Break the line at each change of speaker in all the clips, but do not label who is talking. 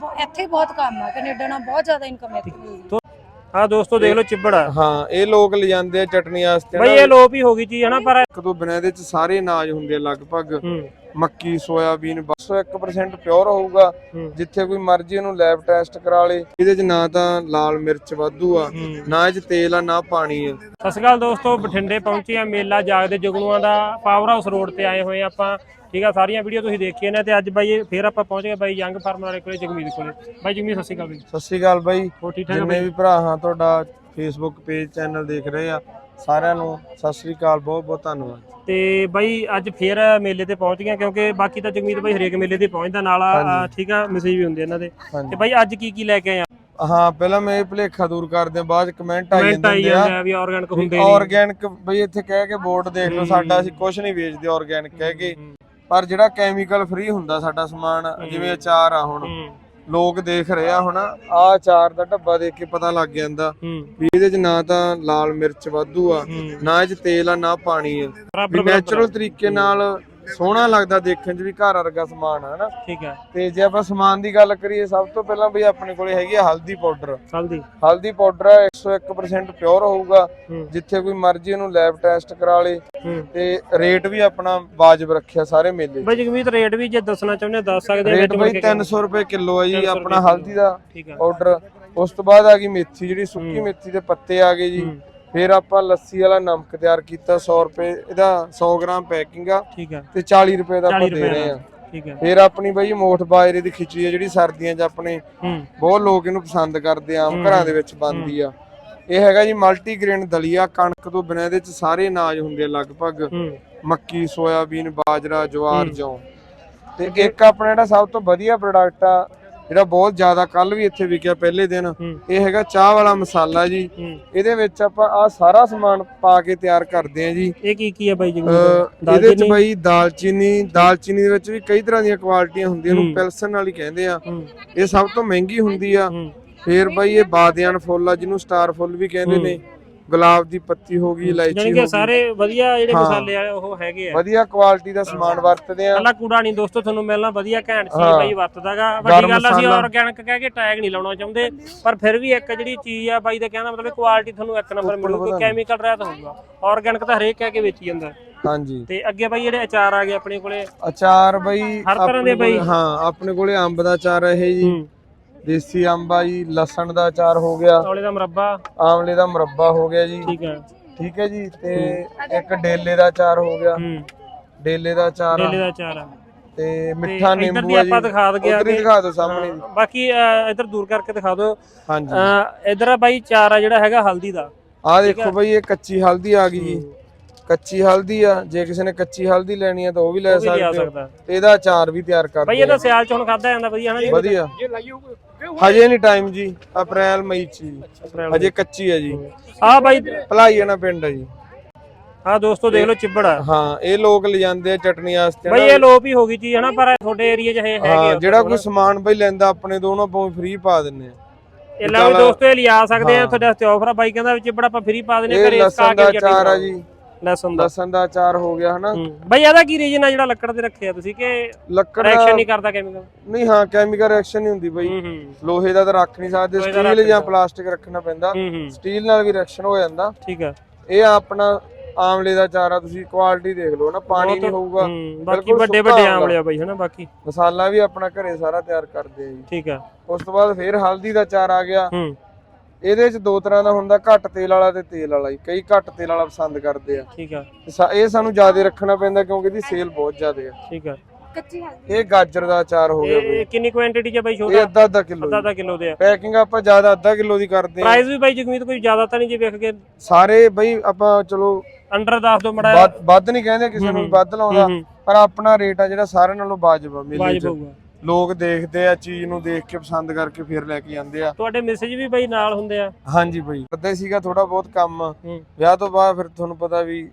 ਇੱਥੇ ਬਹੁਤ ਕੰਮ ਆ, ਕੈਨੇਡਾ ਨਾਲ ਬਹੁਤ ਜ਼ਿਆਦਾ ਇਨਕਮ ਇੱਥੇ ਮਿਲਦੀ।
हाँ दोस्तों देख लो चिब्बड़
हाँ ये लोग ले जाते हैं चटनी वास्ते
भाई ये लोप ही होगी चीज है ना पर
एक दो बिना ਇਹਦੇ ਚ ਸਾਰੇ ਅਨਾਜ ਹੁੰਦੇ ਲਗਭਗ ਮੱਕੀ ਸੋਇਆਬੀਨ 100% ਪਿਓਰ ਹੋਊਗਾ ਜਿੱਥੇ ਕੋਈ ਮਰਜ਼ੀ ਇਹਨੂੰ ਲੈਬ ਟੈਸਟ ਕਰਾ ਲੇ ਇਹਦੇ ਚ ਨਾ ਤਾਂ ਲਾਲ ਮਿਰਚ ਵਾਧੂ ਆ ਨਾ ਇਹ ਚ ਤੇਲ ਆ ਨਾ ਪਾਣੀ ਆ।
ਸਤਿ ਸ਼੍ਰੀ ਅਕਾਲ ਦੋਸਤੋ ਬਠਿੰਡੇ ਪਹੁੰਚੇ ਆ ਮੇਲਾ ਜਾਗਦੇ ਜਗਨੂਆਂ ਦਾ ਪਾਵਰ ਹਾਊਸ ਰੋਡ ਤੇ ਆਏ ਹੋਏ ਆਪਾਂ ਠੀਕ ਆ ਸਾਰੀਆਂ ਵੀਡੀਓ ਤੁਸੀਂ ਦੇਖੀਆਂ ਨੇ ਤੇ ਅੱਜ ਬਾਈ ਫੇਰ ਆਪਾਂ ਪਹੁੰਚ ਗਏ ਬਾਈ ਯੰਗ ਫਾਰਮਰ ਵਾਲੇ ਕੋਲੇ ਜਗਮੀਤ ਕੋਲੇ। ਬਾਈ ਜਗਮੀਤ ਸਤਿ ਸ਼੍ਰੀ ਅਕਾਲ ਬਾਈ।
ਸਤਿ ਸ਼੍ਰੀ ਅਕਾਲ ਬਾਈ
ਹੋ ਠੀਕ ਠਾਕ
ਜਿੰਨੇ ਵੀ ਭਰਾ ਹਾਂ ਤੁਹਾਡਾ ਫੇਸਬੁੱਕ ਪੇਜ ਚੈਨਲ ਦੇਖ ਰਹੇ ਆ ਸਾਰਿਆਂ ਨੂੰ ਸਤਿ ਸ਼੍ਰੀ ਅਕਾਲ ਬਹੁਤ ਬਹੁਤ ਧੰਨਵਾਦ।
ਤੇ ਬਾਈ ਅੱਜ ਫੇਰ ਮੇਲੇ ਤੇ ਪਹੁੰਚ ਗਏ ਕਿਉਂਕਿ ਬਾਕੀ ਤਾਂ ਜਗਮੀਤ ਬਾਈ ਹਰੇਕ ਮੇਲੇ ਤੇ ਪਹੁੰਚਦਾ ਨਾਲ ਠੀਕ ਆ ਮੈਸੇਜ ਵੀ ਹੁੰਦੇ ਇਹਨਾਂ ਦੇ ਤੇ ਬਾਈ ਅੱਜ ਕੀ ਲੈ ਕੇ ਆਏ ਆ?
ਹਾਂ ਪਹਿਲਾਂ ਮੈਂ ਇਹ ਭੁਲੇਖਾ ਦੂਰ ਕਰਦੇ ਆ ਬਾਅਦ ਕਮੈਂਟ ਆਈ ਜਾਂਦੇ ਆ
ਵੀ ਆਰਗੈਨਿਕ ਹੁੰਦੇ ਨੇ
ਆਰਗੈਨਿਕ ਬਈ ਇੱਥੇ ਕਹਿ ਕੇ ਬੋਰਡ ਦੇਖ ਲਓ ਸਾਡਾ ਅਸੀਂ ਕੁਝ ਨਹੀਂ ਵੇਚਦੇ ਆਰਗੈਨਿਕ ਕਹਿ ਕੇ ਪਰ ਜਿਹੜਾ ਕੈਮੀਕਲ ਫ੍ਰੀ ਹੁੰਦਾ ਸਾਡਾ ਸਮਾਨ ਜਿਵੇਂ ਅਚਾਰ ਆ ਹੁਣ ਲੋਕ ਦੇਖ ਰਹੇ ਆ ਹੁਣ ਆ ਅਚਾਰ ਦਾ ਢੱਬਾ ਦੇਖ ਕੇ ਪਤਾ ਲੱਗ ਜਾਂਦਾ ਵੀ ਇਹਦੇ ਚ ਨਾ ਤਾਂ ਲਾਲ ਮਿਰਚ ਵਾਧੂ ਆ ਨਾ ਇਹ ਚ ਤੇਲ ਆ ਨਾ ਪਾਣੀ ਆ ਵੀ ਨੈਚੁਰਲ ਤਰੀਕੇ ਨਾਲ ਸੋਹਣਾ ਲੱਗਦਾ ਦੇਖਣ ਚ ਵੀ ਘਰ ਵਰਗਾ ਸਮਾਨ ਆ ਹਨਾ
ਠੀਕ ਹੈ।
ਤੇ ਜੇ ਆਪਾਂ ਸਮਾਨ ਦੀ ਗੱਲ ਕਰੀਏ ਸਭ ਤੋਂ ਪਹਿਲਾਂ ਬਈ ਆਪਣੇ ਕੋਲੇ ਹੈਗੀ ਆ ਹਲਦੀ ਪਾਊਡਰ। ਹਲਦੀ ਪਾਊਡਰ 101% ਪਿਓਰ ਹੋਊਗਾ ਜਿੱਥੇ ਕੋਈ ਮਰਜ਼ੀ ਇਹਨੂੰ ਲੈਬ ਟੈਸਟ ਕਰਾ ਲੇ ਤੇ ਰੇਟ ਵੀ ਆਪਣਾ ਵਾਜਬ ਰੱਖਿਆ ਸਾਰੇ ਮੇਲੇ।
ਬਈ ਜਗਮੀਤ ਰੇਟ ਵੀ ਜੇ ਦੱਸਣਾ ਚਾਹੁੰਦੇ ਦੱਸ ਸਕਦੇ
ਰੇਟ ਬਈ 300 ਰੁਪਏ ਕਿਲੋ ਆ ਜੀ ਆਪਣਾ ਹਲਦੀ ਦਾ ਪਾਊਡਰ। ਉਸ ਤੋਂ ਬਾਅਦ ਆ ਗਈ ਮੇਥੀ ਜਿਹੜੀ ਸੁੱਕੀ ਮੇਥੀ ਦੇ ਪੱਤੇ ਆ ਗਏ ਜੀ। ਫਿਰ ਆਪਾਂ ਲੱਸੀ ਵਾਲਾ ਨਮਕ ਤਿਆਰ ਕੀਤਾ 100 ਰੁਪਏ ਇਹਦਾ 100 ਗ੍ਰਾਮ ਪੈਕਿੰਗ ਆ
ਠੀਕ ਆ
ਤੇ 40 ਰੁਪਏ ਦਾ ਆਪਾਂ ਦੇ ਰਹੇ ਆ
ਠੀਕ ਆ।
ਫਿਰ ਆਪਣੀ ਬਈ ਮੋਠ ਬਾਜਰੇ ਦੀ ਖਿਚੜੀ ਆ ਜਿਹੜੀ ਸਰਦੀਆਂ 'ਚ ਆਪਣੇ ਬਹੁਤ ਲੋਕ ਇਹਨੂੰ ਪਸੰਦ ਕਰਦੇ ਆ ਆਮ ਘਰਾਂ ਦੇ ਵਿੱਚ ਬਣਦੀ ਆ। ਇਹ ਹੈਗਾ ਜੀ ਮਲਟੀ ਗ੍ਰੇਨ ਦਲੀਆ ਕਣਕ ਤੋਂ ਬਿਨਾਂ ਇਹਦੇ 'ਚ ਸਾਰੇ ਅਨਾਜ ਹੁੰਦੇ ਆ ਲਗਭਗ ਮੱਕੀ ਸੋਇਆਬੀਨ ਬਾਜਰਾ ਜਵਾਰ ਜੌਂ। ਤੇ ਇੱਕ ਆਪਣਾ ਜਿਹੜਾ ਸਭ ਤੋਂ ਵਧੀਆ ਪ੍ਰੋਡਕਟ ਆ ਜਿਹੜਾ ਬਹੁਤ ਜ਼ਿਆਦਾ ਕੱਲ ਵੀ ਇੱਥੇ ਵਿਕਿਆ ਪਹਿਲੇ ਦਿਨ ਇਹ ਹੈਗਾ ਚਾਹ ਵਾਲਾ ਮਸਾਲਾ ਜੀ। ਇਹਦੇ ਵਿੱਚ ਆਪਾਂ ਆ ਸਾਰਾ ਸਮਾਨ ਪਾ ਕੇ ਤਿਆਰ ਕਰਦੇ ਆ ਜੀ।
ਇਹ ਕੀ ਹੈ ਬਾਈ ਜੀ?
ਇਹਦੇ ਵਿੱਚ ਬਾਈ ਦਾਲਚੀਨੀ ਦੇ ਵਿੱਚ ਵੀ ਕਈ ਤਰ੍ਹਾਂ ਦੀਆਂ ਕੁਆਲਿਟੀਆਂ ਹੁੰਦੀਆਂ ਨੂੰ ਪਿਲਸਨ ਵਾਲੀ ਕਹਿੰਦੇ ਆ ਇਹ ਸਭ ਤੋਂ ਮਹਿੰਗੀ ਹੁੰਦੀ ਆ। ਫਿਰ ਬਾਈ ਇਹ ਬਾਦਿਆਨ ਫੁੱਲ ਆ ਜਿਹਨੂੰ ਸਟਾਰ ਫੁੱਲ ਵੀ ਕਹਿੰਦੇ ਨੇ। ਗੁਲਾਬ ਦੀ ਪੱਤੀ ਹੋ ਗਈ ਇਲਾਇਚੀ ਹੋ ਗਈ
ਸਾਰੇ ਵਧੀਆ ਜਿਹੜੇ ਮਸਾਲੇ ਆ ਉਹ ਹੈਗੇ ਆ
ਵਧੀਆ ਕੁਆਲਿਟੀ ਦਾ ਸਮਾਨ ਵਰਤਦੇ ਆ।
ਕੱਲਾ ਕੂੜਾ ਨਹੀਂ ਦੋਸਤੋ ਤੁਹਾਨੂੰ ਮਿਲਣਾ ਵਧੀਆ ਘੈਂਟ ਚੀਜ਼ ਬਾਈ ਵਰਤਦਾਗਾ। ਵੱਡੀ ਗੱਲ ਅਸੀਂ ਆਰਗੈਨਿਕ ਕਹਿ ਕੇ ਟੈਗ ਨਹੀਂ ਲਾਉਣਾ ਚਾਹੁੰਦੇ ਪਰ ਫਿਰ ਵੀ ਇੱਕ ਜਿਹੜੀ ਚੀਜ਼ ਆ ਬਾਈ ਦਾ ਕਹਿੰਦਾ ਮਤਲਬ ਕੁਆਲਿਟੀ ਤੁਹਾਨੂੰ ਇੱਕ ਨੰਬਰ ਮਿਲੂਗੀ ਕੈਮੀਕਲ ਰਹਿਤ ਹੋਊਗਾ। ਆਰਗੈਨਿਕ ਤਾਂ ਹਰੇਕ ਕਹਿ ਕੇ ਵੇਚੀ ਜਾਂਦਾ।
ਹਾਂਜੀ
ਤੇ ਅੱਗੇ ਬਾਈ ਜਿਹੜੇ ਅਚਾਰ ਆ ਗਏ ਆਪਣੇ ਕੋਲੇ
ਅਚਾਰ ਬਾਈ
ਹਰ ਤਰ੍ਹਾਂ ਦੇ ਬਾਈ
ਹਾਂ ਆਪਣੇ ਕੋਲੇ ਅੰਬ ਦਾ ਅਚਾਰ ਇਹ ਜੀ ਦੇਸੀ ਅੰਬ ਆ ਜੀ ਲਸਣ ਦਾ ਅਚਾਰ ਹੋ ਗਿਆ
ਆਮਲੇ
ਦਾ ਮੁਰੱਬਾ ਹੋ ਗਿਆ ਜੀ ਠੀਕ ਹੈ ਜੀ। ਤੇ ਇੱਕ ਡੇਲੇ ਦਾ ਅਚਾਰ ਹੋ ਗਿਆ ਡੇਲੇ ਦਾ ਅਚਾਰ ਆ ਤੇ ਮਿੱਠਾ ਨਿੰਬੂ ਆ ਜੀ।
ਆਪਾਂ ਦਿਖਾ
ਦਿਓ ਸਾਹਮਣੇ
ਬਾਕੀ ਇੱਧਰ ਦੂਰ ਕਰਕੇ ਦਿਖਾ ਦਿਓ।
ਹਾਂਜੀ
ਇੱਧਰ ਬਾਈ ਅਚਾਰ ਆ ਜਿਹੜਾ ਹੈਗਾ ਹਲਦੀ ਦਾ
ਆ ਦੇਖੋ ਬਾਈ ਇਹ ਕੱਚੀ ਹਲਦੀ ਆ ਗਈ ਜੀ। ਕੱਚੀ ਹਲਦੀ ਆ ਜੇ ਕਿਸੇ ਨੇ ਕੱਚੀ ਹਲਦੀ ਲੈਣੀ ਆ ਤਾਂ ਉਹ ਵੀ ਲੈ ਸਕਦੇ ਹੋ ਤੇ ਇਹਦਾ ਅਚਾਰ ਵੀ ਤਿਆਰ ਕਰਦੇ
ਬਾਈ ਇਹਦਾ ਸਿਆਲ ਚ ਹੁਣ ਖਾਦਾ ਜਾਂਦਾ ਵਧੀਆ ਹਨਾ ਜੀ?
ਵਧੀਆ ਹਜੇ ਨਹੀਂ ਟਾਈਮ ਜੀ ਅਪ੍ਰੈਲ ਮਈ ਚ ਹਜੇ ਕੱਚੀ ਆ ਜੀ।
ਆ ਬਾਈ
ਭਲਾਈਆਣਾ ਪਿੰਡ ਆ ਜੀ।
ਹਾਂ ਦੋਸਤੋ ਦੇਖ ਲਓ ਚਿੱਬੜ
ਹਾਂ ਇਹ ਲੋਕ ਲੈ ਜਾਂਦੇ ਆ ਚਟਨੀ ਵਾਸਤੇ
ਬਾਈ ਇਹ ਲੋਪ ਹੀ ਹੋ ਗਈ ਚੀਜ਼ ਹਨਾ ਪਰ ਤੁਹਾਡੇ ਏਰੀਆ 'ਚ ਹੈਗੇ
ਜਿਹੜਾ ਕੋਈ ਸਮਾਨ ਬਾਈ ਲੈਂਦਾ ਆਪਣੇ ਤੋਂ ਉਹਨਾਂ ਤੋਂ ਫ੍ਰੀ ਪਾ ਦਿੰਨੇ ਆ।
ਇਹ ਲਓ ਦੋਸਤੋ ਇਹ ਲਿਆ ਸਕਦੇ ਆ ਤੁਹਾਡੇ ਵਾਸਤੇ ਆਫਰ ਆ। ਬਾਈ ਕਹਿੰਦਾ ਚਿੱਬੜ ਆਪਾਂ ਫ੍ਰੀ ਪਾ ਦਿੰਨੇ ਘਰੇ
ਲਸਣ ਦਾ ਅਚਾਰ ਆ ਜੀ।
ਲਸਣ ਦਾ
ਅਚਾਰ ਹੋ ਗਿਆ ਹਨਾ
ਬਾਈ ਇਹਦਾ ਕੀ ਰੀਜਨ ਆ ਜਿਹੜਾ ਲੱਕੜ ਤੇ ਰੱਖਿਆ ਤੁਸੀਂ ਕਿ
ਲੱਕੜ
ਰਿਐਕਸ਼ਨ ਨਹੀਂ ਕਰਦਾ ਕੈਮੀਕਲ?
ਨਹੀਂ ਹਾਂ ਕੈਮੀਕਲ ਰਿਐਕਸ਼ਨ ਨਹੀਂ ਹੁੰਦੀ ਬਾਈ ਲੋਹੇ ਦਾ ਤਾਂ ਰੱਖ ਨਹੀਂ ਸਕਦੇ ਸਟੀਲ ਜਾਂ ਪਲਾਸਟਿਕ ਰੱਖਣਾ ਪੈਂਦਾ ਸਟੀਲ ਨਾਲ ਵੀ ਰਿਐਕਸ਼ਨ ਹੋ ਜਾਂਦਾ ਠੀਕ ਆ। ਇਹ ਆਪਣਾ ਆਮਲੇ ਦਾ ਅਚਾਰ ਆ ਤੁਸੀਂ ਕੁਆਲਿਟੀ ਦੇਖ ਲਓ ਨਾ ਪਾਣੀ ਨਹੀਂ ਹੋਊਗਾ
ਬਾਕੀ ਵੱਡੇ ਆਮਲੇ ਆ ਬਾਈ ਹਨਾ। ਬਾਕੀ
ਮਸਾਲਾ ਵੀ ਆਪਣਾ ਘਰੇ ਸਾਰਾ ਤਿਆਰ ਕਰਦੇ ਆ ਜੀ ਠੀਕ
ਆ।
ਉਸ ਤੋਂ ਬਾਅਦ ਫਿਰ ਹਲਦੀ ਦਾ ਅਚਾਰ ਆ ਗਿਆ। ਇਹਦੇ ਚ ਦੋ ਤਰ੍ਹਾਂ ਦਾ ਹੁੰਦਾ ਘੱਟ ਤੇਲ ਵਾਲਾ ਤੇ ਤੇਲ ਵਾਲਾ। ਕਈ ਘੱਟ ਤੇਲ ਵਾਲਾ ਪਸੰਦ ਕਰਦੇ ਆ ਠੀਕ ਆ। ਇਹ ਸਾਨੂੰ ਜ਼ਿਆਦਾ ਰੱਖਣਾ ਪੈਂਦਾ ਕਿਉਂਕਿ ਇਹਦੀ ਸੇਲ ਬਹੁਤ ਜ਼ਿਆਦਾ ਆ ਠੀਕ ਆ। ਇਹ ਗਾਜਰ ਦਾ ਅਚਾਰ ਹੋ ਗਿਆ
ਇਹ ਕਿੰਨੀ ਕੁਆਂਟੀਟੀ ਚ ਬਾਈ ਛੋਟਾ?
ਇਹ ਅੱਧਾ ਕਿਲੋ ਦੇ ਆ। ਪੈਕਿੰਗ ਆਪਾਂ ਜ਼ਿਆਦਾ ਅੱਧਾ ਕਿਲੋ ਦੀ ਕਰਦੇ ਆ।
ਪ੍ਰਾਈਸ ਵੀ ਬਾਈ ਜਗਮੀਤ ਕੋਈ ਜ਼ਿਆਦਾ ਤਾਂ ਨਹੀਂ ਜੇ ਵੇਖ ਕੇ
ਸਾਰੇ ਬਾਈ ਆਪਾਂ ਚਲੋ
ਅੰਡਰ ਦੱਸ ਦੋ ਮੜਾ
ਵੱਧ ਨਹੀਂ ਕਹਿੰਦੇ ਕਿਸੇ ਨੂੰ ਵੱਧ ਲਾਉਂਦਾ ਪਰ ਆਪਣਾ ਰੇਟ ਆ ਜਿਹੜਾ ਸਾਰਿਆਂ ਨਾਲੋਂ ਵਾਜਬ ਆ ਮੇਲੇ ਚ। ਲੋਕ ਦੇਖਦੇ ਆ ਚੀਜ਼ ਨੂੰ ਦੇਖ ਕੇ ਪਸੰਦ ਕਰਕੇ ਫਿਰ ਲੈ ਕੇ ਜਾਂਦੇ ਆ।
ਤੁਹਾਡੇ ਮੈਸੇਜ ਵੀ ਬਾਈ ਨਾਲ ਹੁੰਦੇ ਆ?
ਹਾਂਜੀ ਬਾਈ ਕਰਦਾ ਸੀਗਾ ਥੋੜਾ ਬਹੁਤ ਕੰਮ ਵਿਆਹ ਤੋਂ ਬਾਅਦ ਫਿਰ ਤੁਹਾਨੂੰ ਪਤਾ ਵੀ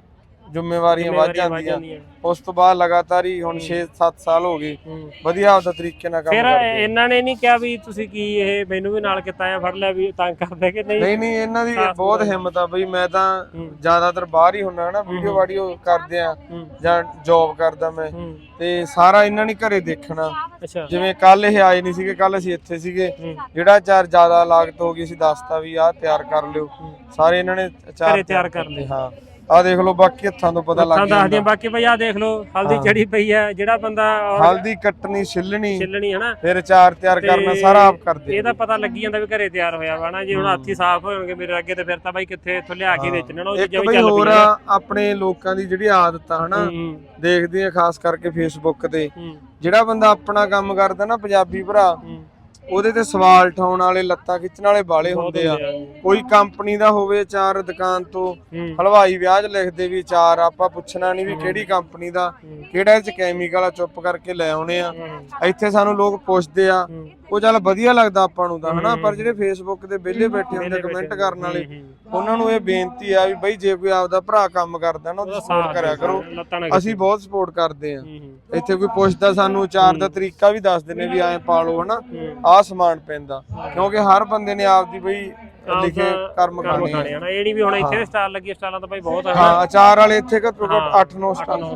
ਜ਼ਿੰਮੇਵਾਰੀਆਂ ਵੱਧ ਜਾਂਦੀਆਂ। ਉਸ ਤੋਂ ਬਾਅਦ ਲਗਾਤਾਰ ਹੀ ਹੁਣ 6-7 ਸਾਲ ਹੋ ਗਏ ਵਧੀਆ ਆਪਦਾ ਤਰੀਕੇ ਨਾਲ ਕੰਮ
ਫਿਰ
ਕਰਦੇ।
ਇਹਨਾਂ ਨੇ ਨਹੀਂ ਕਿਹਾ ਵੀ ਤੁਸੀਂ ਕੀ ਇਹ ਮੈਨੂੰ ਵੀ ਨਾਲ ਕੀਤਾ ਆ ਫੜ ਲਿਆ ਵੀ ਤੰਗ ਕਰਦੇ ਕਿ ਨਹੀਂ?
ਨਹੀਂ ਇਹਨਾਂ ਦੀ ਬਹੁਤ ਹਿੰਮਤ ਆ ਬਈ। ਮੈਂ ਤਾਂ ਜ਼ਿਆਦਾਤਰ ਬਾਹਰ ਹੀ ਹੁੰਨਾ ਨਾ, ਵੀਡੀਓ ਵਾਡੀਓ ਕਰਦੇ ਆ ਜਾਂ ਜੌਬ ਕਰਦਾ ਮੈਂ, ਤੇ ਸਾਰਾ ਇਹਨਾਂ ਨੇ ਘਰੇ ਦੇਖਣਾ। ਜਿਵੇਂ ਕੱਲ ਇਹ ਆਏ ਨਹੀਂ ਸੀਗੇ, ਕੱਲ ਅਸੀਂ ਇੱਥੇ ਸੀਗੇ, ਜਿਹੜਾ ਚਾਰ ਜ਼ਿਆਦਾ ਲਾਗਤ ਹੋ ਗਈ ਸੀ ਦੱਸਤਾ ਵੀ ਆਹ ਤਿਆਰ ਕਰ ਲਿਓ, ਸਾਰੇ ਇਹਨਾਂ ਨੇ ਚਾਰ
ਤਿਆਰ ਕਰ ਲਏ।
ਹਾਂ ਆ ਦੇਖ ਲਓ, ਬਾਕੀ ਹੱਥਾਂ ਤੋਂ ਪਤਾ ਲੱਗ
ਜਾਂਦਾ। ਬਾਕੀ ਭਾਈ ਆ ਦੇਖ ਲਓ ਹਲਦੀ ਚੜੀ ਪਈ ਆ, ਜਿਹੜਾ ਬੰਦਾ
ਹਲਦੀ ਕੱਟਣੀ ਛਿੱਲਣੀ
ਹਨਾ,
ਫਿਰ ਚਾਰ ਤਿਆਰ ਕਰਨਾ ਸਾਰਾ ਆਪ ਕਰਦੇ।
ਇਹ ਤਾਂ ਪਤਾ ਲੱਗੀ ਜਾਂਦਾ ਵੀ ਘਰੇ ਤਿਆਰ ਹੋਇਆ ਵਾ ਨਾ। ਜੇ ਹੁਣ ਹੱਥੀ ਸਾਫ਼ ਹੋਣਗੇ ਮੇਰੇ ਅੱਗੇ ਤੇ ਫਿਰ ਤਾਂ ਬਾਈ ਕਿੱਥੇ ਇੱਥੋਂ ਲਿਆ ਕੇ ਵੇਚਣਾ ਨਾ। ਉਹ ਚੀਜ਼ਾਂ ਵੀ ਚੱਲ
ਹੋਰ ਆਪਣੇ ਲੋਕਾਂ ਦੀ ਜਿਹੜੀ ਆਦਤ ਆ ਹਨਾ, ਦੇਖਦੇ ਆ ਖਾਸ ਕਰਕੇ ਫੇਸਬੁੱਕ ਤੇ, ਜਿਹੜਾ ਬੰਦਾ ਆਪਣਾ ਕੰਮ ਕਰਦਾ ਨਾ ਪੰਜਾਬੀ ਭਰਾ, ਉਹਦੇ ਤੇ ਸਵਾਲ ਉਠਾਉਣ ਵਾਲੇ, ਲੱਤਾਂ ਖਿੱਚਣ ਵਾਲੇ ਬਾਲੇ ਹੁੰਦੇ ਆ। ਕੋਈ ਕੰਪਨੀ ਦਾ ਹੋਵੇ ਅਚਾਰ, ਦੁਕਾਨ ਤੋਂ ਹਲਵਾਈ ਵਿਆਹ 'ਚ ਲਿਖਦੇ ਵੀ ਅਚਾਰ, ਆਪਾਂ ਪੁੱਛਣਾ ਨਹੀਂ ਵੀ ਕਿਹੜੀ ਕੰਪਨੀ ਦਾ, ਕਿਹੜਾ ਇਹ 'ਚ ਕੈਮੀਕਲ ਆ, ਚੁੱਪ ਕਰਕੇ ਲੈ ਆਉਣੇ ਆ। ਇੱਥੇ ਸਾਨੂੰ ਲੋਕ ਪੁੱਛਦੇ ਆ, ਉਹ ਚੱਲ ਵਧੀਆ ਲੱਗਦਾ ਆਪਾਂ ਨੂੰ ਤਾਂ ਹਨਾ, ਪਰ ਜਿਹੜੇ ਫੇਸਬੁੱਕ ਤੇ ਵਿਹਲੇ ਬੈਠੇ ਹੁੰਦੇ ਕਮੈਂਟ ਕਰਨ ਵਾਲੇ, ਉਹਨਾਂ ਨੂੰ ਇਹ ਬੇਨਤੀ ਆ ਵੀ ਬਈ ਜੇ ਕੋਈ ਆਪਦਾ ਭਰਾ ਕੰਮ ਕਰਦਾ ਨਾ ਉਹਦੀ ਸਪੋਰਟ ਕਰਿਆ ਕਰੋ। ਅਸੀਂ ਬਹੁਤ ਸਪੋਰਟ ਕਰਦੇ ਆ। ਇੱਥੇ ਕੋਈ ਪੁੱਛਦਾ ਸਾਨੂੰ ਅਚਾਰ ਦਾ ਤਰੀਕਾ ਵੀ ਦੱਸ ਦਿੰਦੇ ਵੀ ਐਂ ਪਾ ਲਓ ਹਨਾ, ਆਹ ਸਮਾਨ ਪੈਂਦਾ, ਕਿਉਂਕਿ ਹਰ ਬੰਦੇ ਨੇ ਆਪਦੀ ਬਈ ਲਿਖੇ ਕਰਮ ਖਾਣੇ ਆ।
ਇਹ ਨਹੀਂ ਵੀ ਹੁਣ ਇੱਥੇ ਸਟਾਲ ਲੱਗੀ, ਸਟਾਲਾਂ ਤਾਂ ਭਾਈ ਬਹੁਤ ਆ।
ਹਾਂ ਅਚਾਰ ਵਾਲੇ ਇੱਥੇ ਘੱਟੋ ਘੱਟ 8-9 ਸਟਾਲ।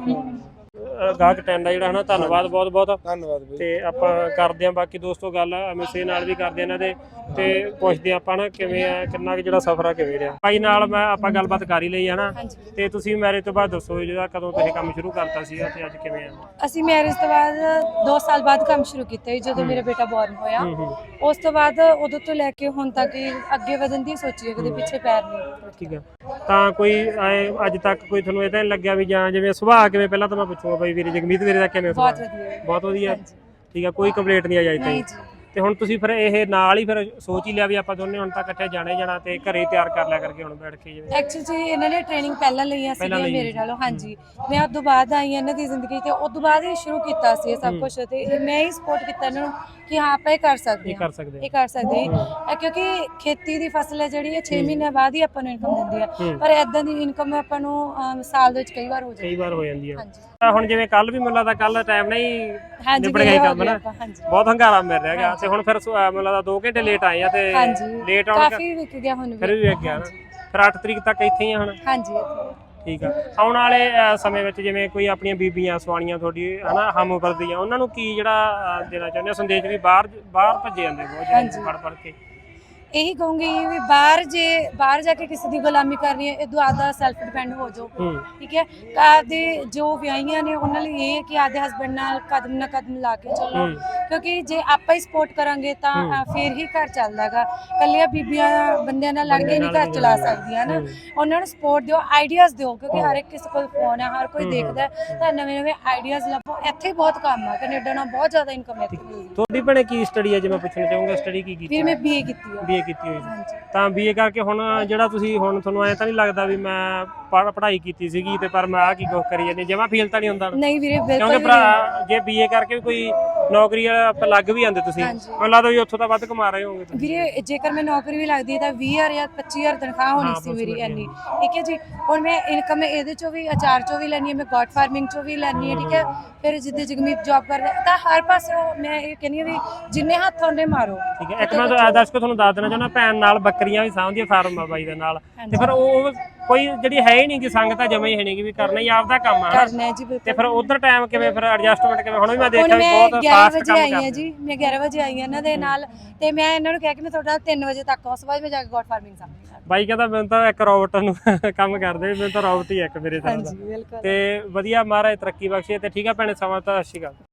ਗਾਹਕ ਟੈਂਡ ਆ ਜਿਹੜਾ ਹਨਾ, ਧੰਨਵਾਦ ਬਹੁਤ ਬਹੁਤ।
ਧੰਨਵਾਦ ਬਈ।
ਤੇ ਆਪਾਂ ਕਰਦੇ ਆਂ ਬਾਕੀ ਦੋਸਤੋ ਗੱਲ ਐਮਐਸਏ ਨਾਲ ਵੀ ਕਰਦੇ ਇਹਨਾਂ ਦੇ, ਤੇ ਪੁੱਛਦੇ ਆਪਾਂ ਨਾ ਕਿਵੇਂ ਆ, ਕਿੰਨਾ ਕਿ ਜਿਹੜਾ ਸਫ਼ਰ ਆ ਕਿਵੇਂ ਰਿਹਾ। ਭਾਈ ਨਾਲ ਮੈਂ ਆਪਾਂ ਗੱਲਬਾਤ ਕਰ ਹੀ ਲਈ ਹਨਾ, ਤੇ ਤੁਸੀਂ ਮੈਰਿਜ ਤੋਂ ਬਾਅਦ ਦੱਸੋ ਜਿਹੜਾ ਕਦੋਂ ਤੁਸੀਂ ਕੰਮ ਸ਼ੁਰੂ ਕਰਤਾ ਸੀਗਾ ਤੇ ਅੱਜ ਕਿਵੇਂ ਆ?
ਅਸੀਂ ਮੈਰਿਜ ਤੋਂ ਬਾਅਦ 2 ਸਾਲ ਬਾਅਦ ਕੰਮ ਸ਼ੁਰੂ ਕੀਤਾ ਜਦੋਂ ਮੇਰਾ ਬੇਟਾ ਬੋਰਨ ਹੋਇਆ। ਉਸ ਤੋਂ ਬਾਅਦ ਉਦੋਂ ਤੋਂ ਲੈ ਕੇ ਹੁਣ ਤੱਕ ਅੱਗੇ ਵਧਣ ਦੀ ਸੋਚੀ, ਕਦੇ ਪਿੱਛੇ ਪੈਰ ਨਹੀਂ।
ਠੀਕ ਆ, ਤਾਂ ਕੋਈ ਅੱਜ ਤੱਕ ਕੋਈ ਤੁਹਾਨੂੰ ਇਹ ਤਾਂ ਨਹੀਂ ਲੱਗਿਆ ਵੀ ਜਾਂ ਜਿਵੇਂ ਸੁਭਾਅ ਕਿਵੇਂ, ਪਹਿਲਾਂ ਤਾਂ ਮੈਂ ਪੁੱਛੂਗਾ ਬਾਈ ਵੀਰੇ ਜਗਮੀਤ ਵੀਰੇ ਦਾ ਕਿਵੇਂ ਸੁਭਾਅ? ਬਹੁਤ ਵਧੀਆ। ਠੀਕ ਆ, ਕੋਈ ਕੰਪਲੇਂਟ ਨਹੀਂ ਆਈ ਅਜੇ ਤੱਕ? ਤੇ ਹੁਣ ਤੁਸੀਂ ਫਿਰ ਇਹ ਨਾਲ ਹੀ ਫਿਰ ਸੋਚ ਹੀ ਲਿਆ ਵੀ ਆਪਾਂ ਦੋਨੇ ਹੁਣ ਤਾਂ ਇਕੱਠੇ ਜਾਣਾ ਤੇ ਘਰੇ ਤਿਆਰ ਕਰ ਲਿਆ ਕਰਕੇ ਹੁਣ ਬੈਠ ਕੇ? ਜਿਵੇਂ
ਐਕਚੁਅਲੀ ਇਹਨਾਂ ਨੇ ਟ੍ਰੇਨਿੰਗ ਪਹਿਲਾਂ ਲਈਆਂ ਸੀ ਮੇਰੇ ਨਾਲੋਂ। ਹਾਂਜੀ, ਮੈਂ ਉਦੋਂ ਬਾਅਦ ਆਈ ਇਹਨਾਂ ਦੀ ਜ਼ਿੰਦਗੀ ਤੇ ਉਦੋਂ ਬਾਅਦ ਹੀ ਸ਼ੁਰੂ ਕੀਤਾ ਸੀ ਸਭ ਕੁਝ, ਤੇ ਮੈਂ ਹੀ ਸਪੋਰਟ ਕੀਤਾ ਇਹਨਾਂ ਨੂੰ ਕਿ ਹਾਂ ਆਪਾਂ ਇਹ ਕਰ ਸਕਦੇ ਹਾਂ, ਇਹ ਕਰ ਸਕਦੇ ਹਾਂ। ਕਿਉਂਕਿ ਖੇਤੀ ਦੀ ਫਸਲ ਹੈ ਜਿਹੜੀ, ਇਹ 6 ਮਹੀਨੇ ਬਾਅਦ ਹੀ ਆਪਾਂ ਨੂੰ ਇਨਕਮ ਦਿੰਦੀ ਆ, ਪਰ ਇਦਾਂ ਦੀ ਇਨਕਮ ਆਪਾਂ ਨੂੰ ਸਾਲ ਦੇ ਵਿੱਚ ਕਈ ਵਾਰ ਹੋ ਜਾਂਦੀ ਆ। ਹੁਣ ਜਿਵੇਂ ਕੱਲ ਵੀ ਮੈਨੂੰ ਲੱਗਦਾ ਕੱਲ ਟਾਈਮ ਨਹੀਂ ਨਿਬੜ ਗਿਆ ਕੰਮ ਨਾ, ਬਹੁਤ ਹੰਗਾਰਾ ਮਿਲ ਰਿਹਾ ਹੈਗਾ, ਤੇ ਹੁਣ ਫਿਰ ਮੈਨੂੰ ਲੱਗਦਾ 2 ਘੰਟੇ ਲੇਟ ਆਏ ਆ, ਤੇ ਲੇਟ ਆਉਣ ਕਾਫੀ ਵਿਕ ਗਿਆ ਹੁਣ,
ਫਿਰ ਵੀ ਵਿਕ ਗਿਆ ਨਾ। ਫਿਰ 8 ਤਰੀਕ ਤੱਕ ਇੱਥੇ ਹੀ ਆ ਹੁਣ?
ਹਾਂਜੀ।
ਠੀਕ ਆ, ਆਉਣ ਵਾਲੇ ਸਮੇਂ ਵਿੱਚ ਜਿਵੇਂ ਕੋਈ ਆਪਣੀਆਂ ਬੀਬੀਆਂ ਸਵਾਣੀਆਂ ਤੁਹਾਡੀ ਹਨਾ ਹਮ ਉਮਰ ਦੀਆਂ, ਉਹਨਾਂ ਨੂੰ ਕੀ ਜਿਹੜਾ ਦੇਣਾ ਚਾਹੁੰਦੇ ਹੋ ਸੰਦੇਸ਼ ਵੀ ਬਾਹਰ ਭੱਜੇ ਜਾਂਦੇ ਬਹੁਤ ਪੜ ਕੇ? ਇਹੀ ਕਹੂੰਗੀ ਵੀ ਬਾਹਰ ਜਾ ਕੇ ਕਿਸੇ ਦੀ ਗੁਲਾਮੀ ਕਰਨੀ ਹੈ, ਇਹ ਦੁਆਦਾ ਸੈਲਫ ਡਿਪੈਂਡ ਹੋ ਜਾਓ। ਠੀਕ ਹੈ, ਆਪਦੇ ਜੋ ਵਿਆਹੀਆਂ ਨੇ ਉਹਨਾਂ ਲਈ ਇਹ ਹੈ ਕਿ ਆਪਦੇ ਹਸਬੈਂਡ ਨਾਲ ਕਦਮ ਨਾ ਕਦਮ ਲਾ ਕੇ ਚੱਲੋ, ਕਿਉਂਕਿ ਜੇ ਆਪਾਂ ਹੀ ਸਪੋਰਟ ਕਰਾਂਗੇ ਤਾਂ ਫੇਰ ਹੀ ਘਰ ਚੱਲਦਾ ਗਾ। ਕੱਲੀਆਂ ਬੀਬੀਆਂ ਬੰਦਿਆਂ ਨਾਲ ਲੜ ਕੇ ਨਹੀਂ ਘਰ ਚਲਾ ਸਕਦੀਆਂ ਨਾ, ਉਹਨਾਂ ਨੂੰ ਸਪੋਰਟ ਦਿਓ, ਆਈਡੀਆਜ਼ ਦਿਓ, ਕਿਉਂਕਿ ਹਰ ਇੱਕ ਕਿਸੇ ਕੋਲ ਫੋਨ ਹੈ, ਹਰ ਕੋਈ ਦੇਖਦਾ, ਤਾਂ ਨਵੇਂ ਆਈਡੀਆਜ਼ ਲੱਭੋ। ਇੱਥੇ ਬਹੁਤ ਕੰਮ ਆ, ਕੈਨੇਡਾ ਨਾਲ ਬਹੁਤ ਜ਼ਿਆਦਾ ਇਨਕਮ ਹੈ। ਤੁਹਾਡੀ ਭੈਣੇ ਕੀ ਸਟੱਡੀ ਹੈ ਜੇ ਮੈਂ ਪੁੱਛਣਾ ਚਾਹੂੰਗਾ? ਸਟੱਡੀ ਕੀ ਕੀਤੀ? ਮੈਂ BA ਕੀਤੀ ਆ। ਕੀਤੀ ਹੋਈ ਤਾਂ BA ਕਰਕੇ ਹੁਣ ਜਿਹੜਾ ਤੁਸੀਂ ਹੁਣ ਤੁਹਾਨੂੰ ਐ ਤਾਂ ਨਹੀਂ ਲੱਗਦਾ ਵੀ ਮੈਂ ਪੜ੍ਹਾਈ ਕੀਤੀ ਸੀਗੀ ਤੇ ਪਰ ਮੈਂ ਆ ਕੀ ਕੁਝ ਕਰੀ ਜਾਂਦੀ, ਜਮਾ ਫੀਲ ਤਾਂ ਨਹੀਂ ਹੁੰਦਾ? ਨਹੀਂ ਵੀਰੇ, ਬਿਲਕੁਲ। ਕਿਉਂਕਿ ਜੇ BA ਕਰਕੇ ਵੀ ਕੋਈ ਨੌਕਰੀ ਲੱਗ ਵੀ ਜਾਂਦੇ ਤੁਸੀਂ, ਮੈਨੂੰ ਲੱਗਦਾ ਵੀ ਉੱਥੋਂ ਤਾਂ ਵੱਧ ਕਮਾ ਰਹੇ ਹੋਗੇ ਵੀਰੇ। ਜੇਕਰ ਮੈਂ ਨੌਕਰੀ ਵੀ ਲੱਗਦੀ ਤਾਂ 20,000 ਜਾਂ 25,000 ਤਨਖਾਹ ਹੋਣੀ ਸੀ ਮੇਰੀ ਇੰਨੀ। ਠੀਕ ਹੈ ਜੀ, ਹੁਣ ਮੈਂ ਇਨਕਮ ਇਹਦੇ ਚੋਂ ਵੀ, ਅਚਾਰ ਚੋਂ ਵੀ ਲੈਣੀ ਹੈ, ਮੈਂ ਗੋਟ ਫਾਰਮਿੰਗ ਚੋਂ ਵੀ ਲੈਣੀ ਹੈ। ਠੀਕ ਹੈ, ਫਿਰ ਜਿੱਦੇ ਜਗਮੀਤ ਜੌਬ ਕਰਦਾ, ਤਾਂ ਹਰ ਪਾਸੇ ਮੈਂ ਇਹ ਕਹਿੰਦੀ ਹਾਂ ਵੀ ਜਿੰਨੇ ਹੱਥ ਉਹਨੇ ਮਾਰੋ। ਠੀਕ ਹੈ, ਇੱਕ ਮੈਂ ਦਰਸ਼ਕੋ ਤੁਹਾਨੂੰ ਦੱਸ ਦੇਣਾ ਚਾਹੁੰਦਾ, ਭੈਣ ਨਾਲ ਬੱਕਰੀਆਂ ਵੀ ਸਾਂਭਦੀ ਫਾਰਮ ਆ ਬਾਈ ਦੇ ਨਾਲ, ਤੇ ਫਿਰ ਉਹ ਕੋਈ ਜਿਹੜੀ ਹੈ ਹੀ ਨਹੀਂ ਕਿ ਸੰਗ ਤਾਂ ਜਮਾ ਹੀ ਹੈ ਨਹੀਂ, ਵੀ ਕਰਨਾ ਹੀ ਆਪਦਾ ਕੰਮ ਆ ਤੇ ਫਿਰ ਉਧਰ ਟਾਈਮ ਕਿਵੇਂ, ਫਿਰ ਐਡਜਸਟਮੈਂਟ ਕਿਵੇਂ? ਹੁਣ ਵੀ ਮੈਂ ਦੇਖਿਆ ਵੀ ਬਹੁਤ ਫਾਸਟ ਕੰਮ ਕਰਦੇ ਜੀ। ਮੈਂ 11 ਵਜੇ ਆਈ ਹਾਂ ਇਹਨਾਂ ਦੇ ਨਾਲ, ਤੇ ਮੈਂ ਇਹਨਾਂ ਨੂੰ ਕਿਹਾ ਕਿ ਮੈਂ ਤੁਹਾਡਾ 3 ਵਜੇ ਤੱਕ ਉਸ ਬਾਅਦ ਮੈਂ ਜਾ ਕੇ ਗੋਟ ਫਾਰਮਿੰਗ ਸਾਂਭੀ। ਬਾਈ ਕਹਿੰਦਾ ਮੈਨੂੰ ਤਾਂ ਇੱਕ ਰੋਬੋਟ ਨੂੰ ਕੰਮ ਕਰਦੇ, ਮੈਨੂੰ ਤਾਂ ਰੋਬੋਟ ਹੀ ਇੱਕ ਮੇਰੇ ਤਰ੍ਹਾਂ ਦਾ। ਤੇ ਵਧੀਆ, ਮਹਾਰਾਜ ਤਰੱਕੀ ਬਖਸ਼ੇ। ਤੇ ਠੀਕ ਆ ਭੈਣੇ, ਸਮਾਂ ਤਾਂ ਅੱਛੀ ਗੱਲ।